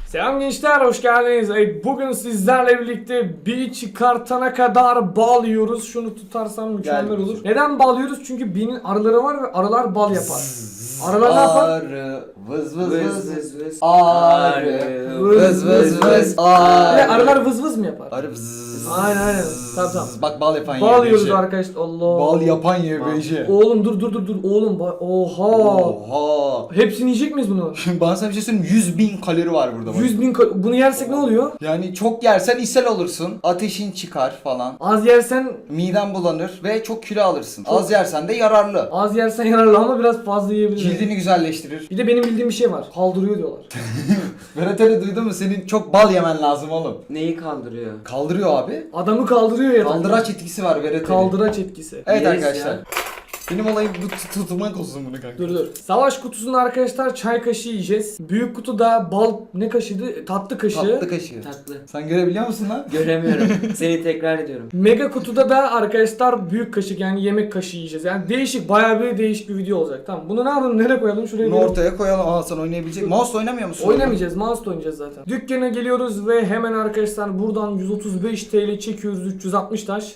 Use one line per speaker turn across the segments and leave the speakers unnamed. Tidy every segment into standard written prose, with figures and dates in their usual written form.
Selam gençler, hoş geldiniz. Bugün sizlerle birlikte bir çıkartana kadar bal yiyoruz. Şunu tutarsam mükemmel olur. Neden bal yiyoruz? Çünkü binin arıları var ve arılar bal yapar. Arılar ne yapar?
Arı vız vız vız. Arı vız vız vız.
Arılar vız vız mı yapar?
Arı vız.
Aynen. Tamam.
Bak bal yapan
Bal
YBJ.
yiyoruz arkadaşlar. Allah.
Bal yapan YBJ.
Oğlum dur. Oğlum oha.
Oha.
Hepsini yiyecek miyiz bunu?
Şimdi bana sana bir şey söyleyeyim, 100.000 kalori var burada bak.
100.000 bunu yersek ne oluyor?
Yani çok yersen ishal olursun, ateşin çıkar falan.
Az yersen
Miden bulanır ve çok kilo alırsın. Az yersen de yararlı.
az yersen yararlı ama biraz fazla yiyebilirsin.
Cildini güzelleştirir.
Bir de benim bildiğim bir şey var. Kaldırıyor diyorlar.
Berat Ali duydun mu? Senin çok bal yemen lazım oğlum.
Neyi kaldırıyor?
Kaldırıyor abi.
Adamı kaldırıyor ya.
Kaldıraç etkisi var Berat Ali.
Kaldıraç etkisi.
Evet
Yeriz
arkadaşlar.
ya.
Benim olayım bu tutmak olsun bunu kanka.
Dur. Savaş kutusunda arkadaşlar çay kaşığı yiyeceğiz. Büyük kutuda bal ne kaşığıydı? Tatlı kaşığı.
Tatlı kaşığı.
Tatlı.
Sen görebiliyor musun lan?
Göremiyorum. Seni tekrar ediyorum.
Mega kutuda da arkadaşlar büyük kaşık yani yemek kaşığı yiyeceğiz. Yani değişik, bayağı bir değişik bir video olacak. Tamam. Bunu ne yapalım? Nereye koyalım? Şuraya
Bunu
koyalım.
ortaya koyalım. Aa sen oynayabilecek. Mouse oynamıyor musun?
Oynamayacağız. Mouse'la oynayacağız zaten. Dükkana geliyoruz ve hemen arkadaşlar buradan 135 TL çekiyoruz. 360 taş.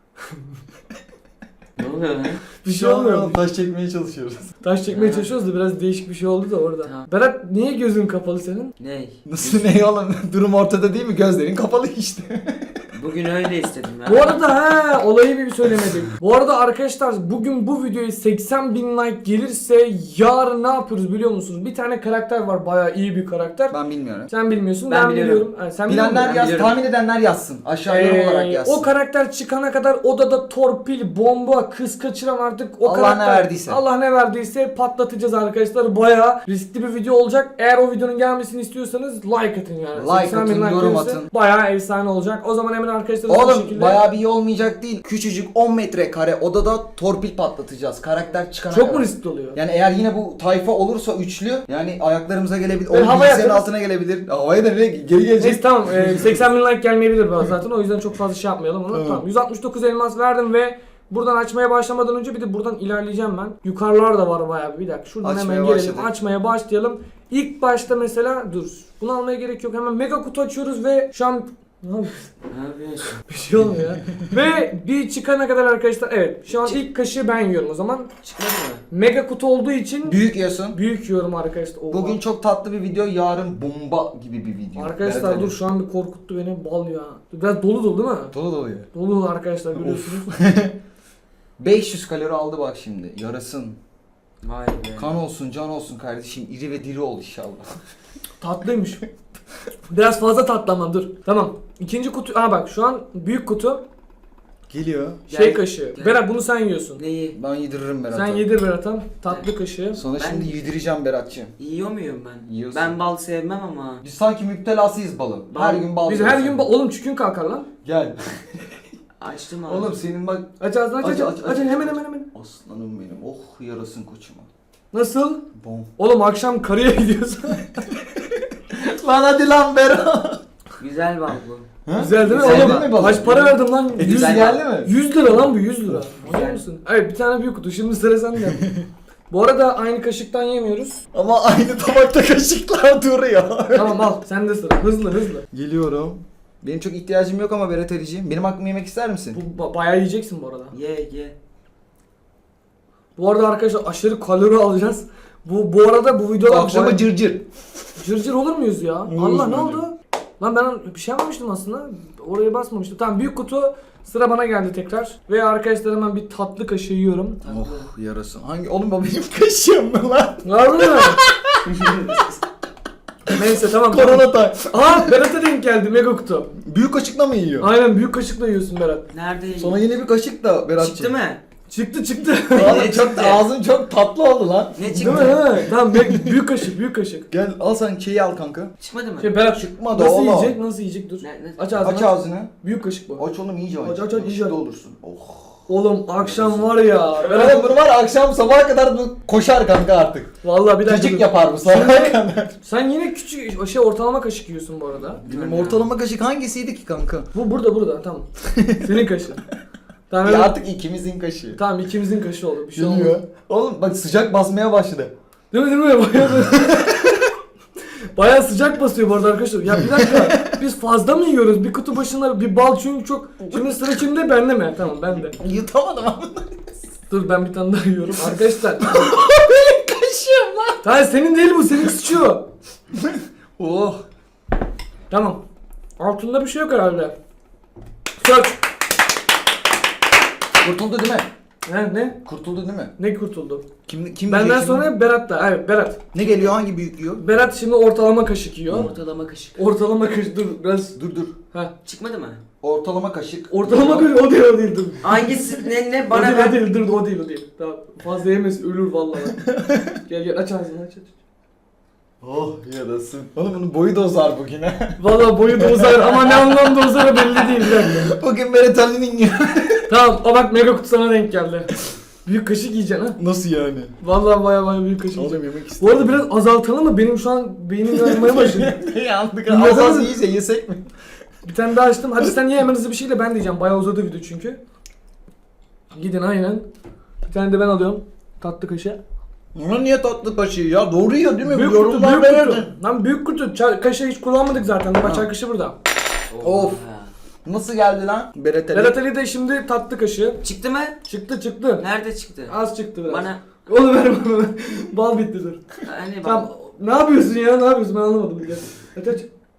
Ne oluyor lan?
Bir şey olmuyor.
Taş çekmeye çalışıyoruz.
Taş çekmeye
Ha.
çalışıyoruz da biraz değişik bir şey oldu da orada.
Tamam.
Berat niye gözün kapalı senin?
Ney?
Nasıl ne oğlum? Durum ortada değil mi? Gözlerin kapalı işte.
Bugün öyle istedim ya.
Bu arada olayı bir söylemedik. Bu arada arkadaşlar bugün bu videoya 80.000 like gelirse yarın ne yapıyoruz biliyor musunuz? Bir tane karakter var, bayağı iyi bir karakter.
Ben bilmiyorum.
Sen bilmiyorsun,
Ben
ben
biliyorum.
biliyorum. Yani sen biliyor
Bilenler
musun?
yaz,
biliyorum.
tahmin edenler yazsın. Aşağı yorum olarak yazsın.
O karakter çıkana kadar odada torpil, bomba, kız kaçıran artık o
Allah
karakter.
ne verdiyse.
Allah ne verdiyse patlatacağız arkadaşlar. Bayağı riskli bir video olacak. Eğer o videonun gelmesini istiyorsanız like atın yani.
Like
80.000
atın, yorum
gelirse
atın.
Bayağı efsane olacak. O zaman hemen arkadaşlar bu
Oğlum
şekilde...
bayağı bir iyi olmayacak değil. Küçücük 10 metrekare odada torpil patlatacağız. Karakter çıkana
Çok
kadar.
mu riskli oluyor?
Yani eğer yine bu tayfa olursa üçlü yani ayaklarımıza gelebilir. O
Ben havaya
bilgisayarın
atarız.
altına gelebilir. Havaya da geri gelecek.
Neyse tamam 80.000 like gelmeyebilir bana zaten o yüzden çok fazla şey yapmayalım onu.
Tamam.
Tamam 169 elmas verdim ve buradan açmaya başlamadan önce bir de buradan ilerleyeceğim ben. Yukarılar da var bayağı bir dakika şuradan
Açmaya
hemen gelelim
başladık.
açmaya başlayalım. İlk başta mesela dur bunu almaya gerek yok hemen mega kutu açıyoruz ve şu an ne yapıyorsun?
Ne yapıyorsun?
Bir şey olmuyor ya. Ve bir çıkana kadar arkadaşlar evet şu an ilk kaşığı ben yiyorum o zaman.
Çıkmadı mı?
Mega kutu olduğu için
Büyük yiyorsun.
büyük yiyorum arkadaşlar. Oha.
Bugün çok tatlı bir video, yarın bomba gibi bir video.
Arkadaşlar
Evet,
dur şu an bir korkuttu beni bal ya. Biraz dolu değil mi?
Dolu dolu ya.
Dolu arkadaşlar görüyorsunuz.
500 kalori aldı bak şimdi. Yarasın.
Vay be.
Kan olsun, can olsun kardeşim. İri ve diri ol inşallah.
Tatlıymış. Biraz fazla tatlı ama dur. Tamam. İkinci kutu. Aa bak şu an büyük kutu.
Geliyor.
Şey
Gel.
kaşığı.
Gel.
Berat bunu sen yiyorsun.
Neyi?
Ben yediririm Berat'a.
Sen yedir Berat'a. Tatlı kaşığı.
Sonra
Ben-
şimdi yedireceğim Berat'cığım.
Yiyor muyum ben?
Yiyorsun.
Ben bal sevmem ama.
Biz sanki müptelasıyız balın. Her gün bal
Biz
yiyoruz.
her gün oğlum çükün kalkar lan.
Gel.
Açtım abi.
Oğlum senin bak.
Aç ağzını aç
Aç,
aç.
aç,
Aç
aç.
hemen.
Aslanım benim. Oh yarasın koçuma.
Nasıl?
Bom.
Oğlum akşam karıya gidiyorsun.
Lan hadi lan Berat.
Güzel bal bu.
Güzel değil mi?
Güzel
Oğlum
değil mi balık?
kaç para verdim lan? 100
Güzel
geldi mi?
100 lira lan bu 100 lira.
Güzel.
Anlıyor musun? Evet bir tane büyük kutu. Şimdi sıra sende. Bu arada aynı kaşıktan yemiyoruz.
Ama aynı tabakta kaşıklar duruyor.
Tamam al sen de sıra. Hızlı.
Geliyorum. Benim çok ihtiyacım yok ama Berat Ali'ciğim. Benim hakkımı yemek ister misin?
Bu bayağı yiyeceksin bu arada.
Ye.
Bu arada arkadaşlar aşırı kalori alacağız. Bu arada bu videoda
Akşama cırcır.
cırcır olur muyuz ya?
Oluruz
Allah ne
bence.
oldu? Lan ben bir şey yapmamıştım aslında. Oraya basmamıştım. Tamam büyük kutu sıra bana geldi tekrar. Ve arkadaşlar hemen bir tatlı kaşığı yiyorum.
Tatlı.
Oh yarasın. Hangi? Oğlum bu benim kaşığım mı lan?
Var mı? Neyse tamam.
Korona tay.
Aa Berat'a denk geldi mega kutu.
Büyük kaşıkla mı yiyor?
Aynen büyük kaşıkla yiyorsun Berat.
Nerede?
Sonra yine bir kaşık da Berat'cığım.
Çıktı mı?
Çıktı.
Oğlum
Ne
çok
çıktı?
ağzın çok tatlı oldu lan.
Ne
Değil mi?
çıktı?
Değil mi? Tamam büyük kaşık.
Gel al sen şeyi al kanka.
Çıkmadı mı?
Şey Berat
Çıkmadı
nasıl
oğlum.
yiyecek? Nasıl yiyecek? Dur.
Ne?
Aç ağzını.
Aç ağzını.
Büyük kaşık bu.
Aç oğlum iyice aç.
Aç, iyice
Yakışıklı
aç.
olursun. Oh.
Oğlum akşam var ya.
Oğlum bunu var ya, akşam sabaha kadar bu koşar kanka artık.
Vallahi bir dakika.
Cacık
dur.
yapar bu sabaha kadar.
Sen yine küçük ortalama kaşık yiyorsun bu arada.
Benim ortalama kaşık hangisiydi ki kanka?
Bu burada tamam. Senin kaşığın. Tamam,
Ya
evet.
artık ikimizin kaşığı.
Tamam ikimizin kaşığı oldu. Bir şey olmaz.
Geliyor. Oğlum bak sıcak basmaya başladı.
Değil mi? Bayağı Bayağı sıcak basıyor bu arada arkadaşlar. Ya bir dakika biz fazla mı yiyoruz? Bir kutu başına bir bal çünkü çok... Şimdi sıra kimde? Bende mi? Tamam bende.
Yutamadım ama.
Dur ben bir tane daha yiyorum. Arkadaşlar.
Benim kaşığım lan.
Hayır senin değil bu. Senin sıçıyor.
Oh.
Tamam. Altında bir şey yok herhalde. Sök.
Kurtuldu değil mi?
Ne?
Kurtuldu değil mi?
Ne kurtuldu?
Kim
Benden
yiyecek
sonra Berat da. Evet Berat.
şimdi? Ne geliyor? Hangi büyük yiyor?
Berat şimdi ortalama kaşık yiyor.
Ortalama kaşık.
Ortalama kaşık dur biraz.
Dur.
Ha.
Çıkmadı mı?
Ortalama kaşık.
Ortalama kaşık o değil dur.
Hangisi ne
O
bana
değil,
ver.
o değil dur o değil. Tamam. Fazla yemez ölür vallahi. Gel aç ağzını aç.
Oh yarasın. Oğlum bunun boyu da uzar bugün ha.
Vallahi boyu da uzar ama ne anlamda uzar belli değil bir dakika.
Bugün Berat Ali'nin yiyor.
Tamam o bak mega kutu sana denk geldi. Büyük kaşık yiyeceksin ha.
Nasıl yani?
Vallahi baya büyük kaşık yiyeceksin.
yemek
Bu arada biraz azaltalım mı? Benim şu an beynim yanmaya başladı.
Yandık.
Bilmiyorum.
Az iyice yesek mi?
Bir tane daha açtım. Hadi sen ye hemen hızlı bir şeyle ben diyeceğim. Bayağı uzadı video çünkü. Gidin aynen. Bir tane de ben alıyorum. Tatlı kaşığı.
Bunun niye tatlı kaşığı ya? Doğru yiyor değil mi?
Büyük
Bu
kutu,
yorumlar
büyük
verirdi.
kutu. Lan büyük kutu. Kaşığı hiç kullanmadık zaten. Bak çay kaşığı burada.
Of. Nasıl geldi lan? Berat Ali.
Berat Ali de şimdi tatlı kaşığı.
Çıktı mı?
Çıktı.
Nerede çıktı?
Az çıktı biraz.
Bana
Oğlum ver bana. Bal bitti dur.
hani bak.
Tamam. Ne yapıyorsun ya? Ne yapıyorsun? Ben anlamadım. Bir aç.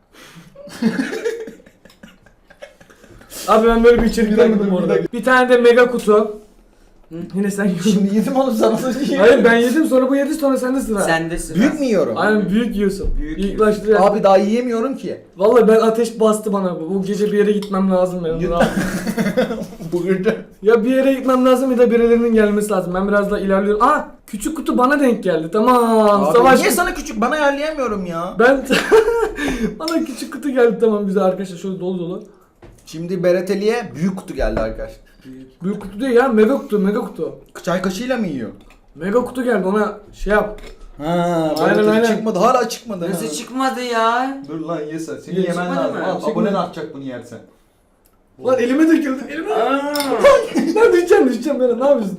Abi ben böyle bir içerik görmedim bu arada. Bir tane de mega kutu. Yine sen yiyorsun.
Şimdi yedim oğlum sana da yiyor.
Hayır ben yedim sonra bu yedi sonra sende sıra.
Sende sıra.
Büyük mü yiyorum?
Aynen büyük yiyorsun.
Büyük
İlk başta ya.
Abi daha yiyemiyorum ki.
Vallahi ben ateş bastı bana bu. Bu gece bir yere gitmem lazım benim.
Git.
Rahat.
Bugün de.
Ya bir yere gitmem lazım ya da birilerinin gelmesi lazım. Ben biraz daha ilerliyorum. Aa küçük kutu bana denk geldi. Tamam.
Abi
Savaş.
niye sana küçük? Bana ayarlayamıyorum ya.
Ben bana küçük kutu geldi tamam güzel arkadaşlar şöyle dolu.
Şimdi Berat Ali'ye büyük kutu geldi arkadaşlar.
Büyük kutu değil ya mega kutu.
Çay kaşığıyla mı yiyor?
Mega kutu geldi ona şey yap.
Ha,
Aynen,
Berat Ali
aynen.
çıkmadı. Hala çıkmadı.
Nasıl
ha.
çıkmadı ya?
Dur lan ye sen. Seni
Ye,
yemen
çıkmadı
lazım.
mı?
Al,
Çıkmadı.
abonen artacak bunu yersen.
Lan elime döküldü elime.
Aa.
Ben düşeceğim ben ne yapıyorsun?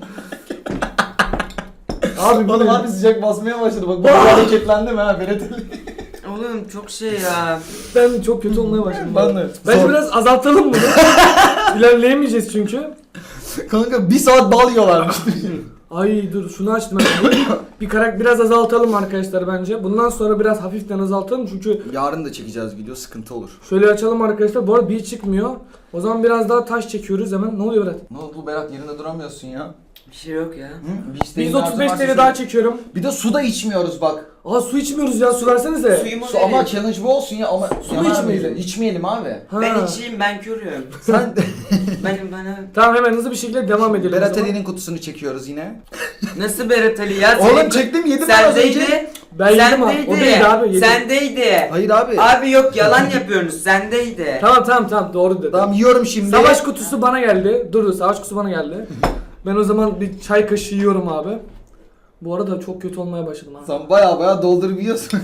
Abi bu
Oğlum
ne?
abi sıcak basmaya başladı. Bak bu hareketlendi mi ha Berat Ali?
Oğlum çok şey ya.
Ben çok kötü olmaya başladım.
Ben de.
Bence
Zor.
biraz azaltalım bunu. İlerleyemeyeceğiz çünkü.
Kanka bir saat bal yiyorlarmış.
Ay dur şunu açtım ben. Bir karak biraz azaltalım arkadaşlar bence. Bundan sonra biraz hafiften azaltalım çünkü
Yarın da çekeceğiz video, sıkıntı olur.
şöyle açalım arkadaşlar. Bu arada bir çıkmıyor. O zaman biraz daha taş çekiyoruz hemen. Ne oluyor Berat?
Ne oldu Berat, yerinde duramıyorsun ya?
Bir şey yok ya.
Hı? Bir isteğin
Biz
lazım
35
varsa
TL daha
söyle.
çekiyorum.
Bir de su da içmiyoruz bak.
Aa su içmiyoruz ya su versenize.
Suyumu
Su ama
verin.
challenge bu olsun ya ama
Su mu
Yaman
içmeyelim?
abi, İçmeyelim abi.
Ha.
Ben içeyim ben körüyorum.
Sen
Bana.
Tamam hemen hızlı bir şekilde devam edelim. o
Berat
zaman.
Ali'nin kutusunu çekiyoruz yine.
Nasıl Berat Ali ya?
Oğlum
Senin-
çektim, yedim ben az önce.
Sendeydi.
Ben yedim abi. O değil abi yedim.
Sendeydi.
Hayır abi.
Abi yok yalan yapıyorsunuz. Sendeydi.
Tamam doğru dedim.
Tamam yiyorum şimdi.
Savaş kutusu bana geldi. Dur savaş kutusu bana geldi. Ben o zaman bir çay kaşığı yiyorum abi. Bu arada çok kötü olmaya başladım ha.
Sen baya doldurup yiyorsun.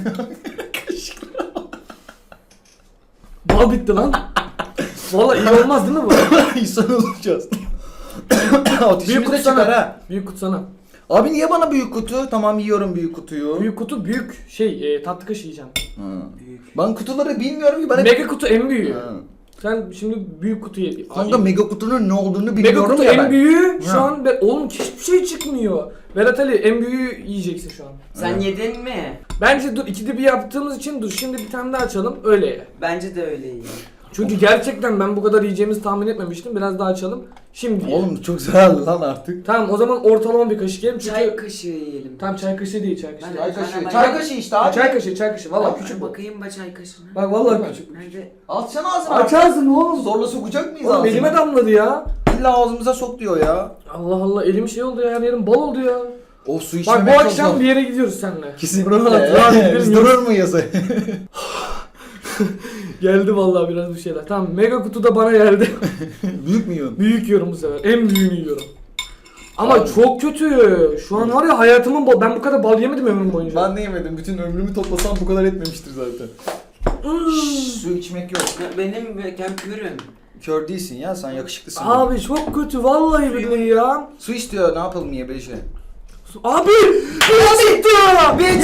Bal bitti lan. Vallahi iyi olmaz değil mi bu?
İnsan olacağız.
Büyük
Ateşimiz
kutu
de çıkar
sana.
ha.
Büyük kutu sana.
Abi niye bana büyük kutu? Tamam yiyorum büyük kutuyu.
Büyük kutu büyük tatlı kaşığı yiyeceğim.
Ha.
Büyük.
Ben kutuları bilmiyorum ki. Ben
Mega kutu en büyüğü.
Ha.
Sen şimdi büyük kutuyu
Kanka mega kutunun ne olduğunu
Mega
bilmiyorum
kutu
ya
en
ben.
büyüğü şu
Ha.
an oğlum hiçbir şey çıkmıyor. Berat Ali en büyüğü yiyeceksin şu an.
Sen
Evet.
yedin mi?
Bence dur ikide bir yaptığımız için dur şimdi bir tane daha açalım öyle ye.
Bence de öyle iyi.
Çünkü gerçekten ben bu kadar yiyeceğimizi tahmin etmemiştim. Biraz daha açalım. Şimdi ye.
Oğlum çok güzel lan artık.
Tamam o zaman ortalama bir kaşık yiyelim çünkü...
Çay kaşığı yiyelim.
Tamam çay kaşığı değil çay kaşığı.
Ben-
Çay kaşığı.
ben-
Çay kaşığı işte abi.
Çay kaşığı valla
Tamam,
küçük bu.
bakayım ba çay kaşığına.
Bak valla küçük.
Nerede?
Açsana ağzını.
Aç ağzını oğlum.
Zorla sokacak mıyız
Oğlum
ağzını?
elime damladı ya.
İlla ağzımıza sok diyor ya.
Allah Allah elim şey oldu ya her yerim bal oldu ya.
O su
Bak
içmemek
bu
çok
akşam
zor.
bir yere gidiyoruz seninle.
Kesinlikle.
Rahat gidelim
Biz
ya.
durur muyuz?
Geldi vallahi biraz bir şeyler. Tamam mega kutu da bana geldi.
Büyük mü yiyorsun?
Büyük yiyorum bu sefer. En büyüğünü yiyorum. Ama
Abi.
çok kötü. Şu an var ya hayatımın bal. Ben bu kadar bal yemedim ömrüm boyunca.
Ben de yemedim. Bütün ömrümü toplasam bu kadar etmemiştir zaten. Su içmek yok.
Benim ben körüm.
Kör değilsin ya, sen yakışıklısın.
Abi çok kötü vallahi billahi ya.
Su istiyor, ne yapalım YBJ?
Abi! Bir çıktı!
Bir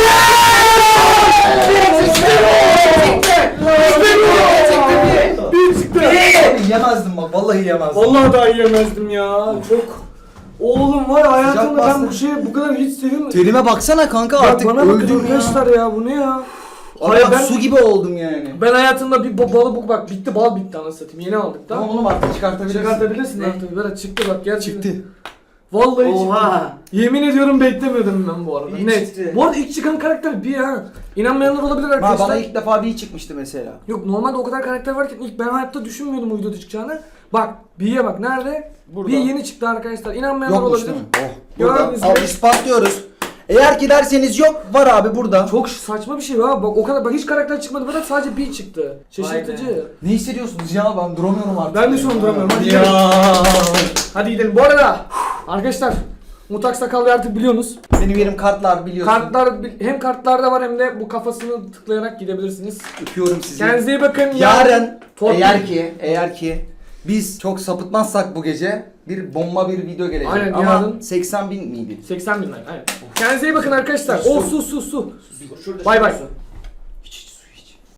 Bir çıktı!
Abi yemezdim bak vallahi yemezdim.
Vallahi daha yiyemezdim ya. Çok... Oğlum var ya, hayatımda ben
bastı.
bu şeyi bu kadar hiç sevmedim.
Terime baksana kanka
Ya
artık
bana bakın
öldüm ya.
arkadaşlar ya, bu ne ya?
Hayır
Hayır, ben-
su gibi oldum yani.
Ben hayatımda bir balı bak bitti, bal bitti anasını satayım. Yeni aldık da.
Tamam oğlum artık çıkartabilirsin.
Çıkartabilirsin
Ne?
artık. Berat çıktı bak gerçekten.
Çıktı.
Vallahi
Oha.
çıktı. Yemin ediyorum beklemiyordum ben bu arada.
İyi
Net.
çıktı.
Bu arada ilk çıkan karakter bir ha. İnanmayanlar olabilir
Ha,
arkadaşlar.
bana ilk defa bir çıkmıştı mesela.
Yok normalde o kadar karakter varken ilk ben hayatta düşünmüyordum o videoda çıkacağını. Bak B'ye bak nerede?
Burada.
B yeni çıktı arkadaşlar. İnanmayanlar
Yokmuş
olabilir.
değil mi? Oh.
Gördünüz
Burada.
mü?
Al ispatlıyoruz. Eğer ki derseniz yok var abi burada.
Çok saçma bir şey var. Bak o kadar bak hiç karakter çıkmadı. Berat sadece B çıktı. Şaşırtıcı.
Ne hissediyorsunuz ya ben duramıyorum artık.
Ben de şu an duramıyorum. Hadi
Ya.
Hadi gidelim. Bu arada arkadaşlar Mutax Sakallı artık biliyorsunuz.
Benim yerim kartlar biliyorsun.
Kartlar hem kartlarda var hem de bu kafasını tıklayarak gidebilirsiniz.
Öpüyorum sizi.
Kendinize iyi bakın.
Yarın
Torpil-
eğer ki biz çok sapıtmazsak bu gece bir bomba bir video gelecek.
Aynen,
ama
yarın-
80.000 miydi?
80 bin like. Aynen. Kendinize iyi bakın arkadaşlar. O su.
Şurada
Bay bay.
su.